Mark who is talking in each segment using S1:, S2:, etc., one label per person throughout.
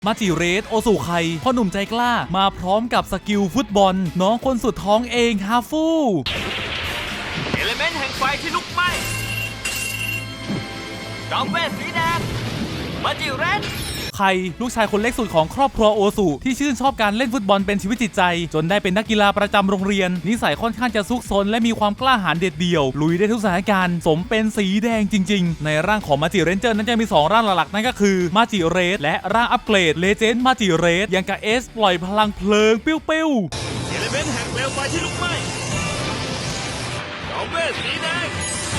S1: มาจิเรสโอสุไคพ่อหนุ่มใจกล้ามาพร้อมกับสกิลฟุตบอลน้องคนสุดท้องเองฮาฟู
S2: เอลิเมนต์แห่งไฟที่ลุกไหม้จอมเวทสีแดงมาจิเรส
S1: ไคลูกชายคนเล็กสุดของครอบครัวโอสุที่ชื่นชอบการเล่นฟุตบอลเป็นชีวิตจิตใจจนได้เป็นนักกีฬาประจำโรงเรียนนิสัยค่อนข้างจะซุกซนและมีความกล้าหาญเด็ดเดี่ยวลุยได้ทุกสถานการณ์สมเป็นสีแดงจริงๆในร่างของมาจิเรนเจอร์นั้นจะมี2ร่างหลักๆนั่นก็คือมาจิเรสและร่างอัปเกรดเลเจนด์มาจิเรสยังกับเอสปล่อยพลังเพลิงปิ้ว
S2: เอลิเมนต์แห่งเปลวไฟที่ลุกไหม้จอมเวทสีแดง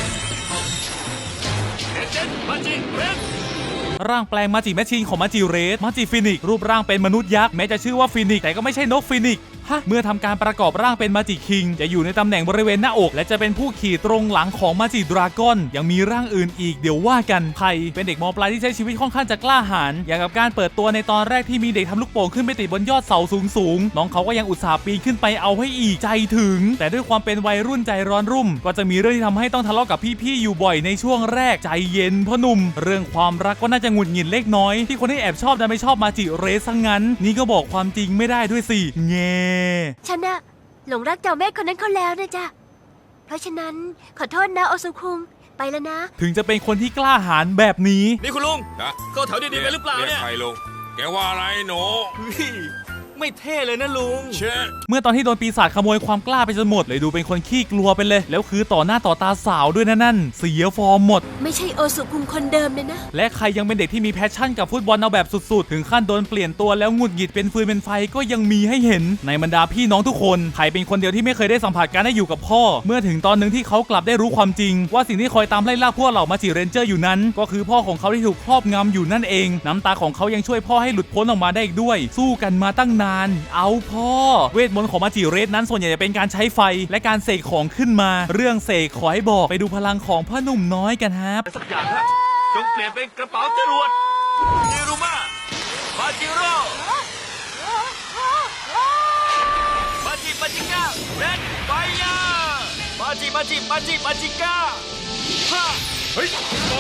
S2: เลเจนด์มาจิเรส
S1: ร่างแปลงมาจิแมชชีนของมาจิเรสมาจิฟินิกรูปร่างเป็นมนุษย์ยักษ์แม้จะชื่อว่าฟินิกแต่ก็ไม่ใช่นกฟินิกเมื่อทำการประกอบร่างเป็นมาจิคิงจะอยู่ในตำแหน่งบริเวณหน้าอกและจะเป็นผู้ขี่ตรงหลังของมาจิดราก้อนยังมีร่างอื่นอีกเดี๋ยวว่ากันไคเป็นเด็กม.ปลายที่ใช้ชีวิตค่อนข้างจะกล้าหาญอย่างกับการเปิดตัวในตอนแรกที่มีเด็กทำลูกโป่งขึ้นไปติดบนยอดเสาสูงน้องเขาก็ยังอุตส่าห์ปีนขึ้นไปเอาให้อีกใจถึงแต่ด้วยความเป็นวัยรุ่นใจร้อนรุ่มก็จะมีเรื่องที่ทำให้ต้องทะเลาะกับพี่ๆอยู่บ่อยในช่วงแรกใจเย็นพ่อหนุ่มเรื่องความรักก็น่าจะหงุดหงิดเล็กน้อยที่คนที่แอบชอบดันไม่ชอบมาจิเรสซะงั้นนี่ก็บอกความจริงไม่ได้ด้วยสิแง่
S3: ฉันน่ะหลงรักเจ้าแม่คนนั้นเขาแล้วนะจ๊ะเพราะฉะนั้นขอโทษนะโอซุคุงไปแล้วนะ
S1: ถึงจะเป็นคนที่กล้าหาญแบบนี้
S2: นี่คุณลุงเข้าแถวดีๆไปหรือเปล่าเนี่ย
S4: ใครลุงแกว่าอะไรหนู
S2: ไม่เท่เลยนะลุง
S1: เมื่อตอนที่โดนปีศาจขโมยความกล้าไปจนหมดเลยดูเป็นคนขี้กลัวไปเลยแล้วคือต่อหน้าต่อตาสาวด้วยนั่นเสียฟอร์มหมด
S3: ไม่ใช่โอซุคุงคนเดิมเลยนะ
S1: และใครยังเป็นเด็กที่มีแพชชั่นกับฟุตบอลเอาแบบสุดๆถึงขั้นโดนเปลี่ยนตัวแล้วหงุดหงิดเป็นฟืนเป็นไฟก็ยังมีให้เห็นในบรรดาพี่น้องทุกคนใครเป็นคนเดียวที่ไม่เคยได้สัมผัสการได้อยู่กับพ่อเมื่อถึงตอนนึงที่เขากลับได้รู้ความจริงว่าสิ่งที่คอยตามไล่ล่าพวกเหล่ามาจิเรนเจอร์อยู่นั้นก็คือพ่อของเขาที่ถูกครอบงำอยู่นั่นเองน้ำตาของเขายังช่วยพ่อให้หลุดพ้นออกมาได้อีกด้วยสู้กันมาตั้งนานเอาพ่อเวทมนต์ของมาจิเรสนั้นส่วนใหญ่จะเป็นการใช้ไฟและการเสกของขึ้นมาเรื่องเสกขอให้บอกไปดูพลังของพ่อหนุ่มน้อยกันครับ
S2: สักอย่างครับจงเปลี่ยนเป็นกระเป๋าจรวดนิรุมามาจิโร่มาจิก้าเรดไฟยามาจิก้าเฮ้ย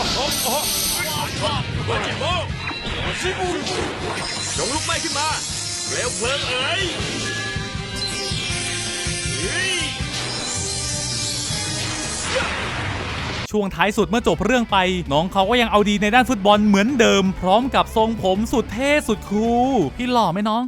S2: มาจิโบจงลุกไหม้ขึ้นมาเปลวเพลิงเอ๋ย
S1: ช่วงท้ายสุดเมื่อจบเรื่องไปน้องเขาก็ยังเอาดีในด้านฟุตบอลเหมือนเดิมพร้อมกับทรงผมสุดเท่สุดคูลพี่หล่อไหมน้อง